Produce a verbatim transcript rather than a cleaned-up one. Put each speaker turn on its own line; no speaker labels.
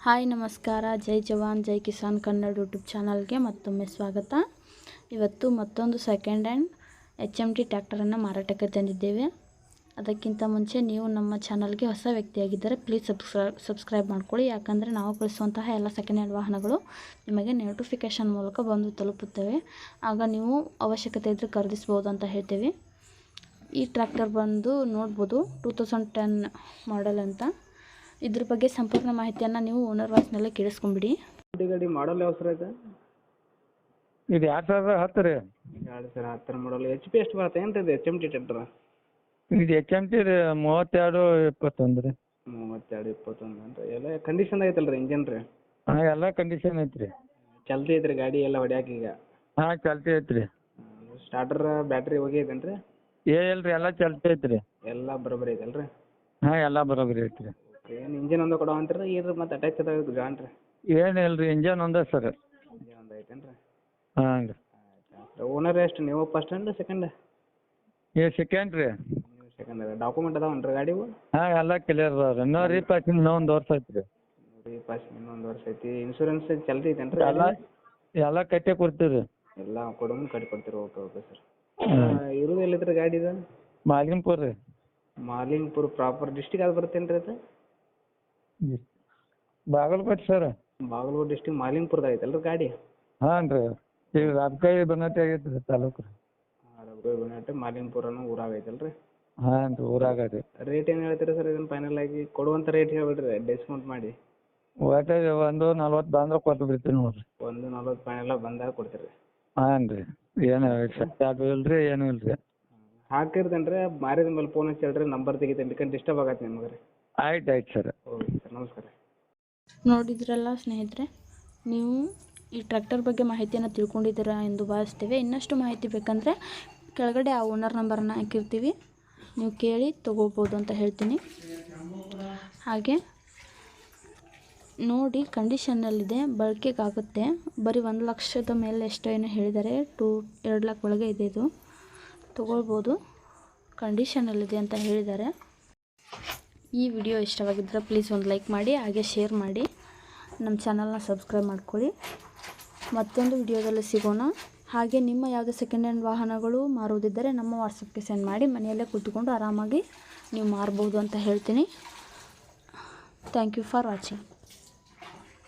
Hi ನಮಸ್ಕಾರ, Jai Jawan Jai Kisan Kannada YouTube ಚಾನಲ್ಗೆ ಮತ್ತೊಮ್ಮೆ ಸ್ವಾಗತ. ಇವತ್ತು ಮತ್ತೊಂದು second hand H M T ಟ್ರ್ಯಾಕ್ಟರನ್ನು ಮಾರಾಟಕ್ಕೆ ತಂದಿದ್ದೇವೆ. ಅದಕ್ಕಿಂತ ಮುಂಚೆ ನೀವು ನಮ್ಮ ಚಾನಲ್ಗೆ ಹೊಸ ವ್ಯಕ್ತಿಯಾಗಿದ್ದರೆ ಪ್ಲೀಸ್ ಸಬ್ಸ್ಕ್ರೈಬ್ ಸಬ್ಸ್ಕ್ರೈಬ್ ಮಾಡ್ಕೊಳ್ಳಿ. ಯಾಕಂದರೆ ನಾವು ಕಳಿಸುವಂತಹ ಎಲ್ಲ ಸೆಕೆಂಡ್ ಹ್ಯಾಂಡ್ ವಾಹನಗಳು ನಿಮಗೆ ನೋಟಿಫಿಕೇಷನ್ ಮೂಲಕ ಬಂದು ತಲುಪುತ್ತವೆ. ಆಗ ನೀವು ಅವಶ್ಯಕತೆ ಇದ್ದರೆ ಖರೀದಿಸ್ಬೋದು ಅಂತ ಹೇಳ್ತೇವೆ. ಈ ಟ್ರ್ಯಾಕ್ಟರ್ ಬಂದು ನೋಡ್ಬೋದು ಟೂ ತೌಸಂಡ್ ಟೆನ್ ಮಾಡೆಲ್ ಅಂತ. ಇದ್ರ ಬಗ್ಗೆ ಸಂಪೂರ್ಣ ಮಾಹಿತಿಯನ್ನು ನೀವು ಓನರ್ ವಾಯ್ಸ್ನಲ್ಲೇ ಕೇಳಿಸ್ಕೊಂಬಿಡಿ.
ಗಾಡಿ ಮಾಡಲ್ ಯಾವ ಸರ್ ಇದು?
ಇದು ಎರಡು ಸಾವಿರದ ಹತ್ತು ರೀ.
ಎರಡು ಸಾವಿರ ಹತ್ತರ ಮಾಡಲ್. ಎಚ್ ಪಿ ಎಷ್ಟು ಬರುತ್ತೆ ಏನು ಇದು ಎಚ್ ಎಮ್ ಟಿ ಟ್ರ್ಯಾಕ್ಟರ್?
ಇದು ಎಚ್ ಎಮ್ ಟಿ ರೀ, ಮೂವತ್ತೆರಡು ಇಪ್ಪತ್ತೊಂದು ರೀ.
ಮೂವತ್ತೆರಡು ಇಪ್ಪತ್ತೊಂದು ಅಂದ್ರೆ ಎಲ್ಲ ಕಂಡೀಷನ್ ಐತಲ್ಲ ರೀ ಇಂಜನ್ ರೀ?
ಹಾಂ, ಎಲ್ಲ ಕಂಡೀಷನ್ ಐತ್ರಿ.
ಚಲ್ತಿ ಐತ್ರಿ ಗಾಡಿ ಎಲ್ಲ ಹೊಡ್ಯಾಕ ಈಗ?
ಹಾಂ, ಚಲ್ತಿ ಐತ್ರಿ.
ಸ್ಟಾರ್ಟರ್ ಬ್ಯಾಟ್ರಿ ಹೋಗಿದೇನು ರೀ?
ಏ ಇಲ್ರಿ, ಎಲ್ಲ ಚಲ್ತಿ ಐತ್ರಿ.
ಎಲ್ಲ ಬರೋಬ್ಬರಿ ಐತಲ್ಲ ರೀ?
ಹಾಂ, ಎಲ್ಲ ಬರೋಬ್ಬರಿ ಐತ್ರಿ.
ಏನು ಇಂಜನ್ ಒಂದು ಕೊಡೋ ಅಂತೀರಿ ಇರ್ರಿ ಮತ್ತೆ ಅಟ್ಯಾಚ್ ಅದಾವ ಜಾನ್ ರೀ?
ಏನಿಲ್ಲ ರೀ, ಇಂಜನ್ ಒಂದೇ ಸರ್.
ಇಂಜನ್ ಒಂದು ಐತೇನು ರೀ?
ಹಾಂ ರೀ.
ಓನರ್ ಎಷ್ಟು, ನೀವು ಫಸ್ಟ್ ಹ್ಯಾಂಡ್ ಸೆಕೆಂಡ್?
ಏ ಸೆಕೆಂಡ್ ರೀ.
ನೀವು ಸೆಕೆಂಡ್ ಅದ. ಡಾಕ್ಯುಮೆಂಟ್ ಅದಾವನ್ ರೀ ಗಾಡಿವು?
ಹಾಂ, ಎಲ್ಲ ಕ್ಲಿಯರ್ ಅದಾವ ರೀ. ಇನ್ನೂ ರೀಪಾಸಿಂಗ್ ಇನ್ನೂ ಒಂದು ವರ್ಷ ಐತ್ರಿ.
ರೀಪಾಸಿಂಗ್ ಇನ್ನೊಂದು ವರ್ಷ ಐತಿ. ಇನ್ಶೂರೆನ್ಸ್ ಚಲ್ತಿ ಐತೇನು ರೀ?
ಎಲ್ಲ ಎಲ್ಲ ಕಟ್ಟೆ ಕೊಡ್ತೀವಿ ರೀ.
ಎಲ್ಲ ಕೊಡೋನು ಕಟ್ಟಿ ಕೊಡ್ತೀರಿ. Okay okay sir. ಇರೋದು ಎಲ್ಲಿದ್ರಿ ಗಾಡಿ ಇದು?
ಮಾಲಿಂಗ್ಪುರ ರೀ.
ಮಾಲಿಂಗ್ಪುರ ಪ್ರಾಪರ್ ಡಿಸ್ಟಿಕ್ ಅದು ಬರ್ತೇನು ರೀ ಅದು?
ಬಾಗಲಕೋಟೆ ಸರ್.
ಬಾಗಲಕೋಟೆ ಡಿಸ್ಟಿಕ್ ಮಾಲಿಂಗ್ಪುರದ ಐತಲ್ಲ ರೀ ಗಾಡಿ?
ಹಾಂ ರೀ. ಈಗ ರಾಜಕಾಯಿ ಬನ್ನಟ್ಟಿ ಆಗೈತೆ ರೀ ತಾಲೂಕು ರೀ.
ರಘುವೀರ್ ಬನ್ನಟ್ಟಿ ಮಾಲಿಂಗ್ಪುರನು ಊರಾಗ ಐತಲ್ಲ ರೀ?
ಹಾಂ ರೀ, ಊರಾಗ ರೀ.
ರೇಟ್ ಏನು ಹೇಳ್ತೀರಿ ಸರ್ ಇದನ್ನು ಫೈನಲ್ ಆಗಿ? ಕೊಡುವಂಥ ರೇಟ್ ಹೇಳ್ಬಿಡ್ರಿ ಡಿಸ್ಕೌಂಟ್ ಮಾಡಿ.
ಒಟ್ಟು ಒಂದು ನಲ್ವತ್ತು ಬಂದ್ರೆ ಕೊಟ್ಟು ಬಿಡ್ತೀನಿ ನೋಡಿರಿ.
ಒಂದು ನಲ್ವತ್ತು ಫೈನಲ್ ಬಂದಾಗ ಕೊಡ್ತೀರಿ?
ಹಾಂ ರೀ. ಏನು ಅದು ಇಲ್ಲ ರೀ, ಏನೂ ಇಲ್ಲ ರೀ.
ಹಾಕಿರ್ತೇನೆ ರೀ, ಮಾರಿದ ಮೇಲೆ ಫೋನ್ ಹಚ್ಚಿ ಹೇಳ್ರಿ, ನಂಬರ್ ತೆಗಿತೇನೆ. ಬೇಕಂದ್ರೆ ಡಿಸ್ಟರ್ಬ್ ಆಗತ್ತೆ ನಿಮಗೆ ರೀ.
ಆಯ್ತು ಆಯ್ತು ಸರ್.
ಓಕೆ ಸರ್, ನಮಸ್ಕಾರ.
ನೋಡಿದ್ರಲ್ಲ ಸ್ನೇಹಿತರೆ, ನೀವು ಈ ಟ್ರ್ಯಾಕ್ಟರ್ ಬಗ್ಗೆ ಮಾಹಿತಿಯನ್ನು ತಿಳ್ಕೊಂಡಿದ್ದೀರಾ ಎಂದು ಭಾವಿಸ್ತೇವೆ. ಇನ್ನಷ್ಟು ಮಾಹಿತಿ ಬೇಕಂದರೆ ಕೆಳಗಡೆ ಆ ಓನರ್ ನಂಬರನ್ನು ಹಾಕಿರ್ತೀವಿ, ನೀವು ಕೇಳಿ ತೊಗೋಬೋದು ಅಂತ ಹೇಳ್ತೀನಿ. ಹಾಗೆ ನೋಡಿ, ಕಂಡೀಷನ್ನಲ್ಲಿದೆ, ಬಳಕೆಗಾಗುತ್ತೆ. ಬರೀ ಒಂದು ಲಕ್ಷದ ಮೇಲೆ ಎಷ್ಟೋ ಏನೋ ಹೇಳಿದ್ದಾರೆ, ಟೂ ಎರಡು ಲಕ್ಷ ಒಳಗೆ ಇದೆ. ಇದು ತೊಗೊಳ್ಬೋದು, ಕಂಡೀಷನಲ್ಲಿದೆ ಅಂತ ಹೇಳಿದ್ದಾರೆ. ಈ ವಿಡಿಯೋ ಇಷ್ಟವಾಗಿದ್ದರೆ ಪ್ಲೀಸ್ ಒಂದು ಲೈಕ್ ಮಾಡಿ, ಹಾಗೆ ಶೇರ್ ಮಾಡಿ, ನಮ್ಮ ಚಾನಲ್ನ ಸಬ್ಸ್ಕ್ರೈಬ್ ಮಾಡ್ಕೊಳ್ಳಿ. ಮತ್ತೊಂದು ವಿಡಿಯೋದಲ್ಲಿ ಸಿಗೋಣ. ಹಾಗೆ ನಿಮ್ಮ ಯಾವುದೇ ಸೆಕೆಂಡ್ ಹ್ಯಾಂಡ್ ವಾಹನಗಳು ಮಾರುವುದಿದ್ದರೆ ನಮ್ಮ ವಾಟ್ಸಪ್ಗೆ ಸೆಂಡ್ ಮಾಡಿ, ಮನೆಯಲ್ಲೇ ಕೂತ್ಕೊಂಡು ಆರಾಮಾಗಿ ನೀವು ಮಾರ್ಬೋದು ಅಂತ ಹೇಳ್ತೀನಿ. Thank you for watching.